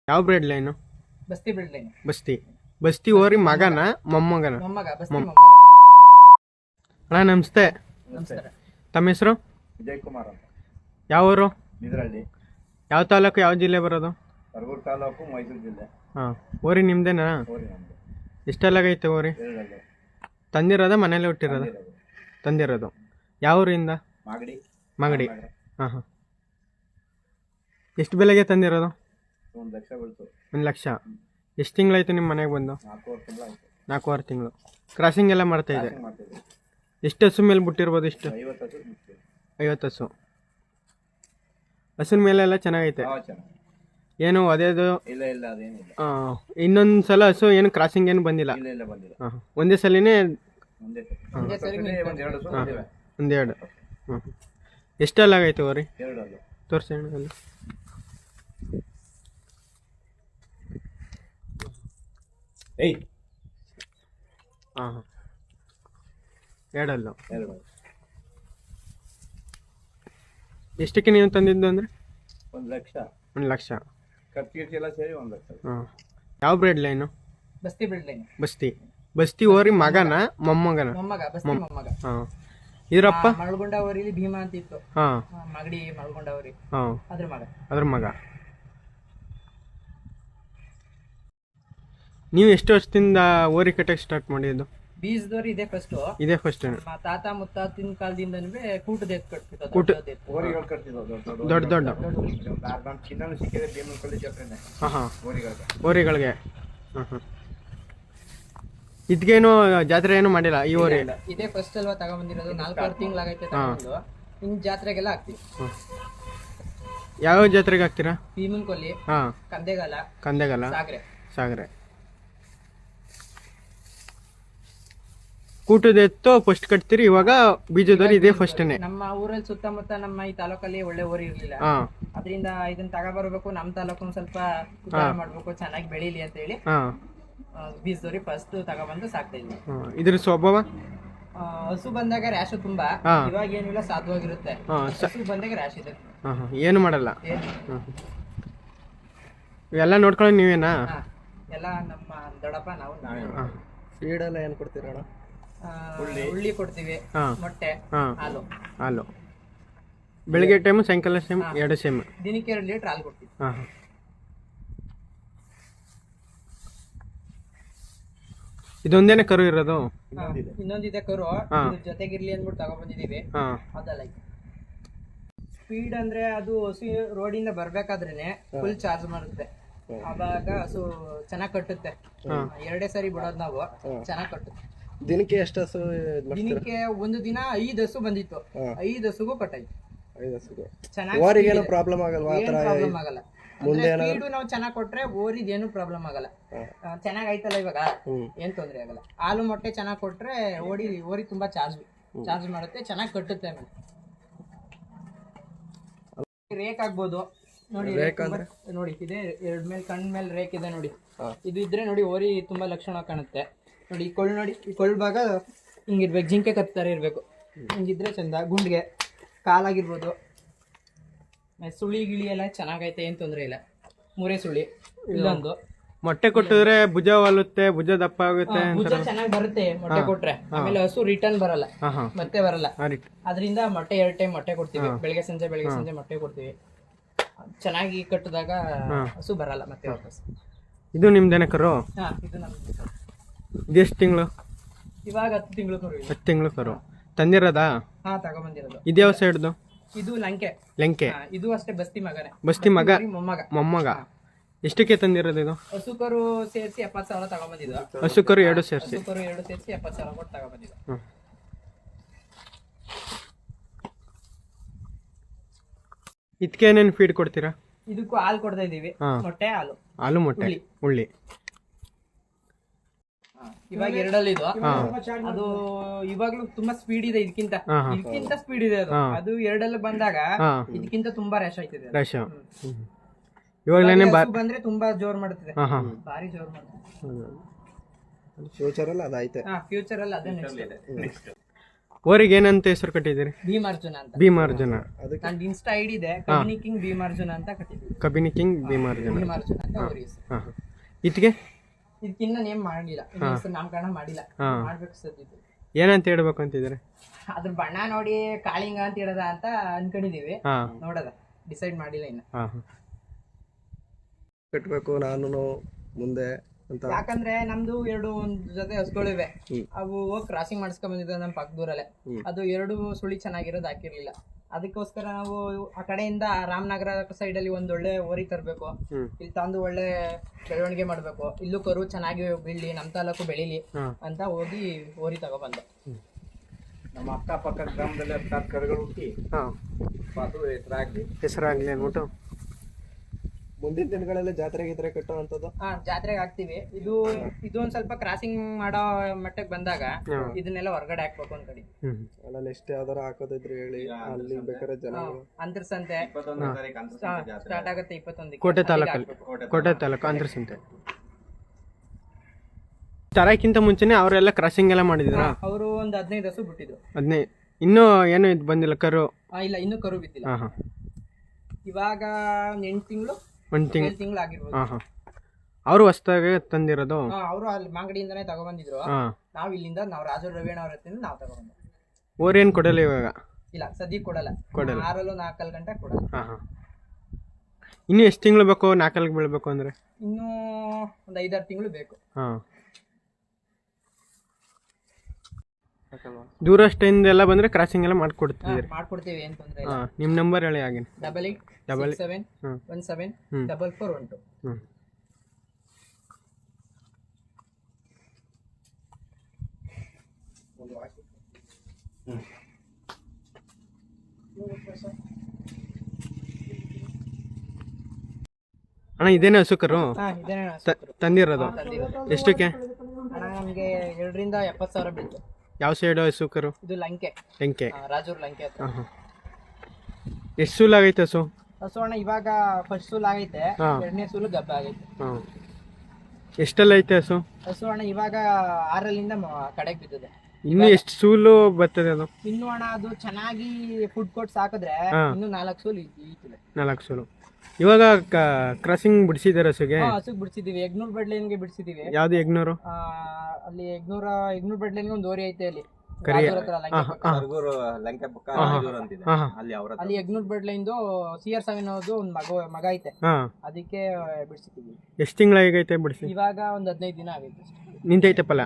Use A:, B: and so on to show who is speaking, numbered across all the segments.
A: ಯಾವ bread line?
B: Basti bread line.
A: Basti Basti ಓರಿ ಮಗನ ಮೊಮ್ಮಗನ?
B: ಮೊಮ್ಮಗ, ಬಸ್ತಿ
A: ಮೊಮ್ಮ-
B: ಮೊಮ್ಮಗ.
A: ಅಣ್ಣ ನಮಸ್ತೆ.
B: ನಮಸ್ಕಾರ.
A: ತಮ್ಮ ಹೆಸರು?
C: ವಿಜಯ್ ಕುಮಾರ್ ಅಂತ,
A: ಯಾವ ಊರು?
C: ನಿದ್ರಳ್ಳಿ,
A: ಯಾವ ತಾಲೂಕು ಯಾವ ಜಿಲ್ಲೆ ಬರೋದು?
C: ಕರಗೂರು ತಾಲೂಕು, ಮೈಸೂರು ಜಿಲ್ಲೆ.
A: ಹಾಂ, ಓರಿ ನಿಮ್ದೇನಾ?
C: ಊರಿ ನಮ್ಮದು.
A: ಎಷ್ಟೆಲ್ಲಾಗೈತೆ ಓರಿ?
C: ಎರಡಲ್ಲೂ
A: ತಂದಿರೋದ ಮನೇಲಿ ಹುಟ್ಟಿರೋದ?
C: ತಂದಿರೋದು.
A: ತಂದಿರೋದು. ಯಾವ ಊರಿಂದ?
C: ಮಾಗಡಿ.
A: ಮಾಗಡಿ.
C: ನಗರ.
A: ಹಾಂ ಹಾಂ. ಎಷ್ಟು ಬೆಲೆಗೆ ತಂದಿರೋದು?
C: 1 ಲಕ್ಷ ಬೀಳ್ತು.
A: 1 ಲಕ್ಷ. ಎಷ್ಟು ತಿಂಗಳಾಯ್ತು ನಿಮ್ಮ ಮನೆಗೆ ಬಂದು?
C: 4 ತಿಂಗಳಾಯ್ತು.
A: 4.5 ತಿಂಗಳು. ಕ್ರಾಸಿಂಗ್ ಎಲ್ಲ ಮಾಡ್ತಾ ಇದೆ.
C: ಕ್ರಾಸಿಂಗ್ ಮಾಡ್ತಿದ್ವಿ.
A: ಎಷ್ಟು ಹಸು ಮೇಲೆ ಬಿಟ್ಟಿರ್ಬೋದು? ಇಷ್ಟು
C: 50 ಹಸು ಬಿಡ್ತೀವಿ.
A: 50 ಹಸು. ಹಸುನ ಮೇಲೆ ಎಲ್ಲ ಚೆನ್ನಾಗೈತೆ.
C: ಯಾವ ಚೆನ್ನಾಗಿ
A: ಏನು ಅದೇದು?
C: ಇಲ್ಲ ಇಲ್ಲ, ಅದೇನಿಲ್ಲ.
A: ಇನ್ನೊಂದು ಸಲ ಹಸು ಏನು ಕ್ರಾಸಿಂಗ್ ಏನು ಬಂದಿಲ್ಲ?
C: ಇಲ್ಲ ಇಲ್ಲ, ಬಂದಿಲ್ಲ.
A: ಹಾಂ, ಒಂದೇ ಸಲಿನೇ
C: ಒಂದೇ
B: ಒಂದೇ ಸರಿ
C: ಒಂದು 2 ಹಸು ಬಂದಿವೆ.
A: ಒಂದೆರಡು. ಹ್ಞೂ. ಎಷ್ಟೆಲ್ಲಾಗೈತೆ ಓರಿ?
C: 2 ಅಲ್ಲೂ.
A: ತೋರಿಸಿ ಅಣ್ಣ ಅಲ್ಲಿ.
C: ಏಯ್,
A: ಹಾಂ ಹಾಂ, ಎರಡಲ್ಲು.
C: 2.
A: ಎಷ್ಟಕ್ಕೆ ನೀವು ತಂದಿದ್ದು ಅಂದರೆ?
C: 1 ಲಕ್ಷ.
A: 1 ಲಕ್ಷ.
C: ಖರ್ಚು ಎಲ್ಲ ಸೇರಿ 1 ಲಕ್ಷ.
A: ಹಾಂ. ಯಾವ bread line?
B: Basti bread line.
A: Basti Basti ಓರಿ ಮಗನ ಮೊಮ್ಮಗನ?
B: ಮೊಮ್ಮಗ, ಬಸ್ತಿ ಮೊಮ್ಮಗ.
A: ಹಾಂ. ಇದರಪ್ಪ?
B: ಮಳಗುಂಡ ಊರಿಲಿ ಭೀಮಾ ಅಂತ ಇತ್ತು.
A: ಹಾಂ
B: ಮಾಗಡಿ ಮಳಗುಂಡ ಊರಿ,
A: ಹಾಂ,
B: ಅದ್ರ ಮಗ.
A: ಅದ್ರ ಮಗ. ನೀವು ಎಷ್ಟು ವರ್ಷದಿಂದ ಓರಿ ಕಟ್ಟಕ್ಕೆ ಸ್ಟಾರ್ಟ್ ಮಾಡಿದ್ದು?
B: ಬೀಜದವ್ರು ಇದೆ ಫಸ್ಟ್.
A: ಇದೇ ಫಸ್ಟ್?
B: ನಮ್ಮ ತಾತ ಮುತ್ತಾತಿನ ಕಾಲದಿಂದನೂ ಕೂಟದ ಎತ್ತು ಕಟ್ತಿತ್ತು.
A: ಕೂಟ-
C: ಓರಿಗಳು ಕಟ್ತಿದ್ವು
A: ದೊಡ್ಡ ದೊಡ್ಡ.
C: ನಮ್ಮ ಚಿನ್ನನು ಸಿಕ್ಕಿದೆ ಭೀಮನಕಳ್ಳಿ ಜಾತ್ರೆನೆ
A: ಹಾಂ ಹಾಂ,
C: ಓರಿಗಳಿಗೆ.
A: ಓರಿಗಳಿಗೆ. ಹಾಂ ಹಾಂ. ಇದ್ಗೇನು ಜಾತ್ರೆ ಏನು ಮಾಡಿಲ್ಲ ಈ ಓರಿ?
B: ಇದೇ ಫಸ್ಟ್ ಅಲ್ವಾ ತಗೊಂಬಂದಿರೋದು. 4-6 ತಿಂಗಳಾಗೈತೆ ತಗೊಂಡು. ಇನ್ ಜಾತ್ರೆಗೆಲ್ಲ ಹಾಕ್ತಿವಿ.
A: ಹಾಂ. ಯಾವ ಜಾತ್ರೆಗೆ ಹಾಕ್ತೀರಾ?
B: ಭೀಮನ್ ಕೊಲ್ಲಿ,
A: ಹಾಂ,
B: ಕಂದೆಗಾಲ,
A: ಕಂದೆಗಲ್ಲ,
B: ಸಾಗರೆ.
A: ಸಾಗರೆ. ಕೂಟದ ಎತ್ತು ಫಸ್ಟ್ ಕಟ್ತೀರಿ, ಇವಾಗ ಬೀಜದವ್ರು ಇದೇ ಫಸ್ಟನೇ?
B: ನಮ್ಮ ಊರಲ್ಲಿ ಸುತ್ತಮುತ್ತ ನಮ್ಮ ಈ ತಾಲೂಕಲ್ಲಿ ಒಳ್ಳೆ ಊರು ಇರ್ಲಿಲ್ಲ.
A: ಹಾಂ
B: ಅದರಿಂದ ಇದನ್ನ ತಗೊಬರ್ಬೇಕು, ನಮ್ಮ ತಾಲೂಕು ಸ್ವಲ್ಪ ಉದ್ಧಾರ ಮಾಡ್ಬೇಕು, ಚೆನ್ನಾಗಿ ಬೆಳೀಲಿ ಅಂತ ಹೇಳಿ
A: ಹಾಂ
B: ಬೀಜದವ್ರಿ ಫಸ್ಟ್ ತಗೊಬಂದು ಸಾಕ್ತಾ ಇದ್ವಿ.
A: ಹಾಂ. ಇದ್ರ ಸ್ವಭಾವ?
B: ಹಸು ಬಂದಾಗ ರ್ಯಾಶ್ ತುಂಬಾ,
A: ಹಾ.
B: ಇವಾಗ ಏನಿಲ್ಲ, ಸಾಧುವಾಗಿರುತ್ತೆ.
A: ಹಾಂ
B: ಹಸು ಬಂದಾಗ ರ್ಯಾಶ್ ಇದೆ.
A: ಹಾಂ ಹಾಂ, ಏನು ಮಾಡಲ್ಲ.
B: ಏನು?
A: ಹಾಂ. ಇವೆಲ್ಲ ನೋಡ್ಕೊಳ್ಳೋ ನೀವೇನಾ?
B: ಹಾ, ಎಲ್ಲ ನಮ್ಮ ದೊಡ್ಡಪ್ಪ ನಾವು
A: ಹಾಂ.
C: ಫೀಡೆಲ್ಲ ಏನು ಕೊಡ್ತೀರಣ್ಣ?
B: ಉಳ್ಳಿ ಕೊಡ್ತೀವಿ,
A: ಹಾಂ
B: ಮೊಟ್ಟೆ,
A: ಹಾಂ,
B: ಹಾಲು.
A: ಹಾಲು ಬೆಳಿಗ್ಗೆ ಟೈಮು ಸಾಯಂಕಾಲ ಸೇಮ್,
B: ಹಾ.
A: 2 ಸೇಮ್?
B: ದಿನಕ್ಕೆ 2 ಲೀಟರ್ ಹಾಲು ಕೊಡ್ತೀವಿ.
A: ಹಾಂ ಹಾಂ. ಇದೊಂದೇನೆ ಕರು ಇರೋದು?
B: ಇನ್ನೊಂದಿದೆ ಕರು,
A: ಹಾ.
B: ಇದ್ರ ಜೊತೆಗಿರ್ಲಿ ಅಂದ್ಬಿಟ್ಟು ತಗೊಬಂದಿದೀವಿ.
A: ಹಾಂ
B: ಅದಲ್ಲ ಸ್ಪೀಡ್ ಅಂದ್ರೆ ಅದು ಹಸು ರೋಡಿಂದ ಬರ್ಬೇಕಾದ್ರೇನೆ ಫುಲ್ ಚಾರ್ಜ್ ಮಾಡುತ್ತೆ. ಅವಾಗ ಹಸು ಚೆನ್ನಾಗ್ ಕಟ್ಟುತ್ತೆ. 2 ಸರಿ ಬಿಡೋದು ನಾವು, ಚೆನ್ನಾಗ್ ಕಟ್ಟುತ್ತೆ.
C: ದಿನಕ್ಕೆ ಎಷ್ಟು ಹಸು?
B: ದಿನಕ್ಕೆ ಒಂದು ದಿನ 5 ಹಸು ಬಂದಿತ್ತು. 5 ಹಸುಗೂ ಕಟ್ಟಾಯ್ತು.
C: 5 ಹಸುಗೆ.
B: ಚೆನ್ನಾಗಿ
C: ಓರಿಗೇನು ಪ್ರಾಬ್ಲಮ್ ಆಗಲ್ವಾ? ಆ ಥರ
B: ಪ್ರಾಬ್ಲಮ್ ಆಗಲ್ಲ. ಸ್ಪೀಡು ನಾವು ಚೆನ್ನಾಗ್ ಕೊಟ್ರೆ ಓರಿದ್ ಏನು ಪ್ರಾಬ್ಲಮ್ ಆಗಲ್ಲ. ಚೆನ್ನಾಗ್ ಆಯ್ತಲ್ಲ ಇವಾಗ, ಏನ್ ತೊಂದ್ರೆ ಆಗಲ್ಲ. ಹಾಲು ಮೊಟ್ಟೆ ಚೆನ್ನಾಗ್ ಕೊಟ್ರೆ ಓರಿ ತುಂಬಾ ಚಾರ್ಜ್ ಮಾಡುತ್ತೆ, ಚೆನ್ನಾಗ್ ಕಟ್ಟುತ್ತೆ. ಆಮೇಲೆ ರೇಕ್ ಆಗ್ಬೋದು ನೋಡಿ. ನೋಡಿ ಇದೆ 2 ಮೇಲೆ ಕಣ್ ಮೇಲೆ ರೇಕ್ ಇದೆ ನೋಡಿ. ಇದು ಇದ್ರೆ ನೋಡಿ ಓರಿ ತುಂಬಾ ಲಕ್ಷಣ ಕಾಣುತ್ತೆ. ನೋಡಿ ಈ ಕೊಳ್ಳು, ನೋಡಿ ಈ ಕೊಳ್ಳು ಭಾಗ ಹಿಂಗಿರ್ಬೇಕು, ಜಿಂಕೆ ಕತ್ತಾರೆ ಇರ್ಬೇಕು. ಹಿಂಗಿದ್ರೆ ಚಂದ. ಗುಂಡ್ಗೆ ಕಾಲಾಗಿರ್ಬೋದು, ಸುಳಿ ಗಿಳಿ ಎಲ್ಲ ಚೆನ್ನಾಗೈತೆ, ಏನ್ ತೊಂದ್ರೆ ಇಲ್ಲ. ಮೂರೇ ಸುಳಿ. ಇಲ್ಲೊಂದು
A: ಮೊಟ್ಟೆ ಕೊಟ್ಟಿದ್ರೆ ಭುಜ ಒಲುತ್ತೆ, ಭುಜ ದಪ್ಪ ಆಗುತ್ತೆ
B: ಭುಜ ಚೆನ್ನಾಗಿ ಬರುತ್ತೆ ಮೊಟ್ಟೆ ಕೊಟ್ರೆ. ಆಮೇಲೆ ಹಸು ರಿಟರ್ನ್ ಬರಲ್ಲ,
A: ಹಾಂ ಹಾಂ.
B: ಮತ್ತೆ ಬರಲ್ಲ. ಅದರಿಂದ ಮೊಟ್ಟೆ 2 ಟೈಮ್ ಮೊಟ್ಟೆ ಕೊಡ್ತೀವಿ. ಬೆಳಗ್ಗೆ ಸಂಜೆ ಮೊಟ್ಟೆ ಕೊಡ್ತೀವಿ. ಚೆನ್ನಾಗಿ ಕಟ್ಟಿದಾಗ ಹಸು ಬರಲ್ಲ ಮತ್ತೆ ವಾಪಸ್.
A: ಇದು ನಿಮ್ದೇನೆ ಕರು?
B: ಹಾ, ಇದು ನಮ್ದು.
A: ಇದೆಷ್ಟು ತಿಂಗಳು?
B: ಇವಾಗ 10 ತಿಂಗಳು ಕರು ಇದೆ.
A: 10 ತಿಂಗಳು ಕರು ತಂದಿರೋದಾ?
B: ಹಾ, ತಗೊಂಬಂದಿರೋದು.
A: ಇದ್ಯಾವ ಸೈಡ್ದು?
B: ಇದು ಲಂಕೆ.
A: ಲಂಕೆ.
B: ಇದು ಅಷ್ಟೇ ಬಸ್ತಿ ಮಗನೇ.
A: ಬಸ್ತಿ ಮಗ,
B: ಮೊಮ್ಮಗ.
A: ಮೊಮ್ಮಗ. ಎಷ್ಟಕ್ಕೆ ತಂದಿರೋದು ಇದು?
B: ಹಸು ಕರು ಸೇರಿಸಿ 70,000 ತಗೊಂಬಂದಿದ್ದು.
A: ಹಸು ಕರು 2 ಸೇರಿಸಿ?
B: ಹಸು ಕರು 2 ಸೇರಿಸಿ 70,000 ಕೊಟ್ಟು ತಗೊಂಬಂದಿದ್ದು.
A: ಹ್ಞೂ. ಇದಕ್ಕೆ ಏನೇನು ಫೀಡ್ ಕೊಡ್ತೀರಾ?
B: ಇದಕ್ಕೂ ಹಾಲು ಕೊಡ್ತಾ ಇದೀವಿ. ಮೊಟ್ಟೆ, ಹಾಲು.
A: ಹಾಲು, ಮೊಟ್ಟೆ, ಉಳ್ಳಿ.
B: ಇವಾಗ 2 ಇದು. ಅದು ಇವಾಗ್ಲೂ ತುಂಬಾ ಸ್ಪೀಡ್ ಇದೆ. ಇದಕ್ಕಿಂತ ಸ್ಪೀಡ್ ಇದೆ ಅದು. ಅದು 2 ಬಂದಾಗ ಇದಕ್ಕಿಂತ ತುಂಬಾ ರ್ಯಾಶ್ ಆಯ್ತಿದೆ.
A: ಇವಾಗಲೇ
B: ಬಂದ್ರೆ ತುಂಬಾ ಜೋರ್ ಮಾಡುತ್ತದೆ, ಭಾರಿ ಜೋರ್ ಮಾಡುತ್ತೆ.
C: ಫ್ಯೂಚರ್ ಅಲ್ಲಿ ಅದಾಯ್ತು.
B: ಫ್ಯೂಚರ್ ಅಲ್ಲಿ ಅದೇ ನೆಕ್ಸ್ಟ್.
A: ಓರಿಗೆ ಏನಂತ ಹೆಸರು ಕಟ್ಟಿದ್ದೀರಿ?
B: ಭೀಮಾರ್ಜುನ ಅಂತ.
A: ಭೀಮಾರ್ಜುನ.
B: ನಂದು ಇನ್ಸ್ಟಾ ಐಡಿ ಇದೆ, ಕಬಿನಿ ಕಿಂಗ್ ಭೀಮಾರ್ಜುನ ಅಂತ ಕಟ್ಟಿದ್ವಿ.
A: ಕಬಿನಿ ಕಿಂಗ್ ಭೀಮಾರ್ಜುನ.
B: ಭೀಮಾರ್ಜುನ ಅಂತ ಅವ್ರ ಹೆಸರು.
A: ಹಾಂ ಹಾಂ. ಇದಕ್ಕೆ
B: ಇದಕ್ಕಿನ್ನ ನೇಮ್ ಮಾಡಿಲ್ಲ, ಇನ್ನು ಹೆಸರು ನಾಮಕರಣ ಮಾಡಿಲ್ಲ, ಮಾಡ್ಬೇಕು ಸದ್ಯದ್ದು.
A: ಏನಂತ ಹೇಳ್ಬೇಕು ಅಂತಿದ್ದಾರೆ?
B: ಅದ್ರ ಬಣ್ಣ ನೋಡಿ ಕಾಳಿಂಗ ಅಂತ ಹೇಳದ ಅಂತ ಅನ್ಕೊಂಡಿದೀವಿ,
A: ಹಾಂ
B: ನೋಡದ ಡಿಸೈಡ್ ಮಾಡಿಲ್ಲ ಇನ್ನ.
A: ಹಾಂ ಹಾಂ.
C: ಕಟ್ಬೇಕು ನಾನು ಮುಂದೆ ಅಂತ.
B: ಯಾಕಂದ್ರೆ ನಮ್ದು ಒಂದು ಜೊತೆ ಹಸುಗಳಿವೆ, ಅವು ಹೋಗಿ ಕ್ರಾಸಿಂಗ್ ಮಾಡಿಸ್ಕೊಂಡ್ ಬಂದಿದ್ದ ನಮ್ಮ ಪಕ್ಕದೂರಲ್ಲೇ. ಅದು 2 ಸುಳಿ ಚೆನ್ನಾಗಿರೋದು ಹಾಕಿರ್ಲಿಲ್ಲ, ಅದಕ್ಕೋಸ್ಕರ ನಾವು ಆ ಕಡೆಯಿಂದ ರಾಮನಗರ ಸೈಡ್ ಅಲ್ಲಿ ಒಂದ್ ಒಳ್ಳೆ ಓರಿ ತರಬೇಕು, ಇಲ್ಲಿ ತಂದು ಒಳ್ಳೆ ಬೆಳವಣಿಗೆ ಮಾಡ್ಬೇಕು, ಇಲ್ಲೂ ಕರು ಚೆನ್ನಾಗಿ ಬೆಳಿ, ನಮ್ ತಾಲೂಕು ಬೆಳಿಲಿ ಅಂತ ಹೋಗಿ ಓರಿ ತಗೊಬಂದೆ.
D: ನಮ್ಮ ಅಕ್ಕಪಕ್ಕ ಗ್ರಾಮದಲ್ಲಿ 10 ಕರುಗಳು ಹುಟ್ಟಿ
A: ಹಾಂ
D: ಅದು
A: ಹೆಸರಾಗಲಿ ಅಂದ್ಬಿಟ್ಟು
C: ಮುಂದಿನ ದಿನಗಳಲ್ಲಿ ಜಾತ್ರೆ ಗೀತ್ರೆ ಕಟ್ಟೋ ಅಂತದ್ದು.
B: ಜಾತ್ರೆಗೆ ಹಾಕ್ತಿವಿ. ಇದು ಒಂದ್ ಸ್ವಲ್ಪ ಕ್ರಾಸಿಂಗ್ ಮಾಡೋ ಮಟ್ಟಕ್ಕೆ ಬಂದಾಗ ಇದನ್ನೆಲ್ಲ ಹೊರಗಡೆ ಹಾಕ್ಬೇಕು ಅನ್ಕಡಿ.
C: ಅಲ್ಲ ನೆಕ್ಸ್ಟ್ ಯಾವ್ದಾರ ಹಾಕೋದಿದ್ರೆ ಹೇಳಿ, ಅಲ್ಲಿ ಬೇಕಾದ್ರೆ ಜನ
B: ಅಂತರ್ಸಂತೆ ಸ್ಟಾರ್ಟ್ ಆಗುತ್ತೆ 21.
A: ಕೋಟೆ ತಾಲೂಕಲ್ಲಿ, ಕೋಟೆ ತಾಲೂಕು ಅಂತರ್ಸಂತೆ. ತರಕ್ಕಿಂತ ಮುಂಚೆನೆ ಅವರೆಲ್ಲ ಕ್ರಾಸಿಂಗ್ ಎಲ್ಲ ಮಾಡಿದ್ರ?
B: ಅವರು ಒಂದು 15 ಹಸು ಬಿಟ್ಟಿದ್ರು.
A: 15 ಇನ್ನೂ ಏನು ಇದು ಬಂದಿಲ್ಲ ಕರು?
B: ಇಲ್ಲ, ಇನ್ನೂ ಕರು ಬಿದ್ದಿಲ್ಲ.
A: ಹಾಂ ಹಾಂ.
B: ಇವಾಗ 8 ತಿಂಗಳು
A: 1
B: ತಿಂಗಳು ಆಗಿರ್ಬೋದು.
A: ಹಾಂ ಹಾಂ. ಅವರು ಹೊಸ್ದಾಗಿ ತಂದಿರೋದು?
B: ಅವರು ಅಲ್ಲಿ ಮಾಗಡಿಯಿಂದನೇ ತಗೊಬಂದಿದ್ರು. ನಾವು ಇಲ್ಲಿಂದ ನಾವು ರಾಜು ರವೀಣ ಅವ್ರ ಹತ್ತಿರ ನಾವು ತಗೊಬಂದ.
A: ಓರೇನು ಕೊಡಲ್ಲ ಇವಾಗ?
B: ಇಲ್ಲ, ಸದ್ಯಕ್ಕೆ ಕೊಡಲ್ಲ. 6 4 ಗಂಟೆ ಕೊಡಲ್ಲ.
A: ಹಾಂ ಹಾಂ. ಇನ್ನು ಎಷ್ಟು ತಿಂಗಳು ಬೇಕು 4 ಬೀಳ್ಬೇಕು ಅಂದರೆ?
B: ಇನ್ನೂ ಒಂದು 5-6 ತಿಂಗಳು ಬೇಕು.
A: ಹಾಂ. ದೂರಷ್ಟಿಂದ ಎಲ್ಲ ಬಂದರೆ ಕ್ರಾಸಿಂಗ್ ಎಲ್ಲ ಮಾಡ್ಕೊಡ್ತಿದ್ದೀರಿ?
B: ಮಾಡ್ಕೊಡ್ತೀವಿ, ಏನು ತೊಂದರೆ ಇಲ್ಲ.
A: ಹಾಂ. ನಿಮ್ಮ ನಂಬರ್ ಹೇಳಿ ಆಗಿನ?
B: 8867174412.
A: ಹ್ಞೂ. ಅಣ್ಣ ಇದೇನೇ ಹಸು ಕರು
B: ಇದೇನೇ
A: ತಂದಿರೋದು? ಎಷ್ಟಕ್ಕೆ
B: ಅಣ್ಣ? ನಮಗೆ 2 ರಿಂದ 70,000 ಬೀಳ್ತು.
A: ಯಾವ ಸೈಡು ಹಸು ಕರು?
B: ಇದು ಲಂಕೆ, ರಾಜೂರ್ ಲಂಕೆ ಹತ್ರ.
A: ಹಾಂ ಹಾಂ. ಎಷ್ಟು ಸೂಲ್ ಆಗೈತೆ ಹಸು?
B: ಹಸು ಅಣ್ಣ ಇವಾಗ ಫಸ್ಟ್ ಸೂಲ್ ಆಗೈತೆ, 2ನೇ ಸೂಲು ಗಬ್ಬ ಆಗೈತೆ.
A: ಹಾಂ. ಎಷ್ಟೆಲ್ಲ ಐತೆ ಹಸು?
B: ಹಸು ಅಣ್ಣ ಇವಾಗ 6ರಿಂದ ಕಡೆಗೆ ಬಿದ್ದಿದೆ.
A: ಇನ್ನು ಎಷ್ಟು ಸೂಲು ಬರ್ತದೆ ಅದು?
B: ಇನ್ನು ಅಣ್ಣ ಅದು ಚೆನ್ನಾಗಿ ಫುಡ್ ಕೊಟ್ಟು ಸಾಕಿದ್ರೆ ಇನ್ನು 4 ಸೂಲು ಈತಿದೆ.
A: 4 ಸೂಲು. ಇವಾಗ ಕ್ರಾಸಿಂಗ್ ಬಿಡಿಸಿದ್ದಾರೆ ಹಸುಗೆ?
B: ಹಸುಗೆ ಬಿಡಿಸಿದೀವಿ, ಎಗ್ನೂರ್ ಬೆಡ್ಲೈನ್ಗೆ ಬಿಡಿಸಿದೀವಿ.
A: ಯಾವ್ದು ಎಗ್ನೂರು?
B: ಅಲ್ಲಿ ಎಗ್ನೂರ್ ಬೆಡ್ಲೈನ್ಗೆ ಒಂದು ಓರಿ ಐತೆ ಅಲ್ಲಿ ಅಲ್ಲಿ ಎಗ್ನೂರ್ ಬೆಡ್ಲೈನ್ದು CR7 ಅನ್ನೋದು ಒಂದು ಮಗ ಐತೆ, ಅದಕ್ಕೆ ಬಿಡಿಸಿದೀವಿ.
A: ಎಷ್ಟು ತಿಂಗಳಾಗೈತೆ ಬಿಡಿಸಿ?
B: ಇವಾಗ ಒಂದು 15 ದಿನ ಆಗೈತೆ.
A: ನಿಂತೈತೆ ಫಲ?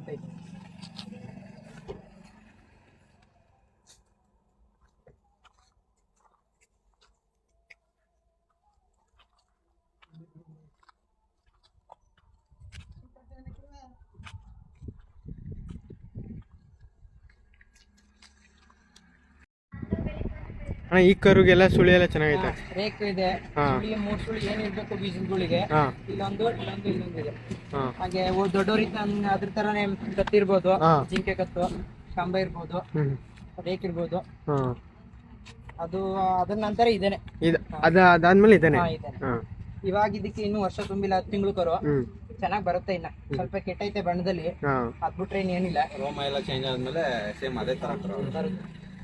A: ಅಣ್ಣ ಈ ಕರುಗೆಲ್ಲ ಸುಳಿ ಎಲ್ಲ ಚೆನ್ನಾಗೈತೆ?
B: ರೇಕ್ ಇದೆ, 3 ಸುಳಿ ಏನಿರ್ಬೇಕು ಬೀಜಗಳಿಗೆ, ಇಲ್ಲೊಂದು ಇದೆ. ಹಾಗೆ ದೊಡ್ಡವರಿಂದ ಅದ್ರ ತರನೇ ಕತ್ತಿರ್ಬೋದು, ಜಿಂಕೆ ಕತ್ತು, ಕಂಬ ಇರ್ಬೋದು, ರೇಕ್ ಇರ್ಬೋದು. ಅದು ಅದ್ರ ನಂತರ ಇದೇನೆ,
A: ಅದಾದ್ಮೇಲೆ ಇದೇನೆ.
B: ಇವಾಗ ಇದಕ್ಕೆ ಇನ್ನು ವರ್ಷ ತುಂಬಿಲ್ಲ, 10 ತಿಂಗಳು ಕರು. ಚೆನ್ನಾಗಿ ಬರುತ್ತೆ. ಇನ್ನ ಸ್ವಲ್ಪ ಕೆಟ್ಟೈತೆ ಬಣ್ಣದಲ್ಲಿ, ಅದ್ಬಿಟ್ರೆ ಏನಿಲ್ಲ.
D: ರೋಮ ಎಲ್ಲ ಚೇಂಜ್ ಆದ್ಮೇಲೆ ಸೇಮ್ ಅದೇ ತರ ಬರುತ್ತೆ.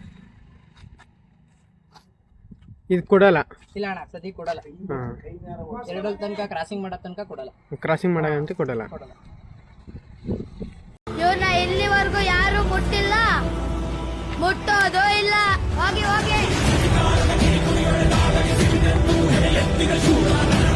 A: ಇದು ಕೊಡಲ್ಲ?
B: ಇಲ್ಲ ಅಣ್ಣ, ಸದ್ಯ ಕೊಡಲ್ಲ. 2 ತನಕ ಕ್ರಾಸಿಂಗ್ ಮಾಡೋ ತನಕ ಕೊಡಲ್ಲ.
A: ಕ್ರಾಸಿಂಗ್ ಮಾಡೋದಂತ ಕೊಡಲ್ಲ.
E: ಇವ್ರನ್ನ ಇಲ್ಲಿವರೆಗೂ ಯಾರು ಮುಟ್ಟಿಲ್ಲ, ಮುಟ್ಟೋದು ಇಲ್ಲ. ಹೋಗಿ ಹೋಗಿ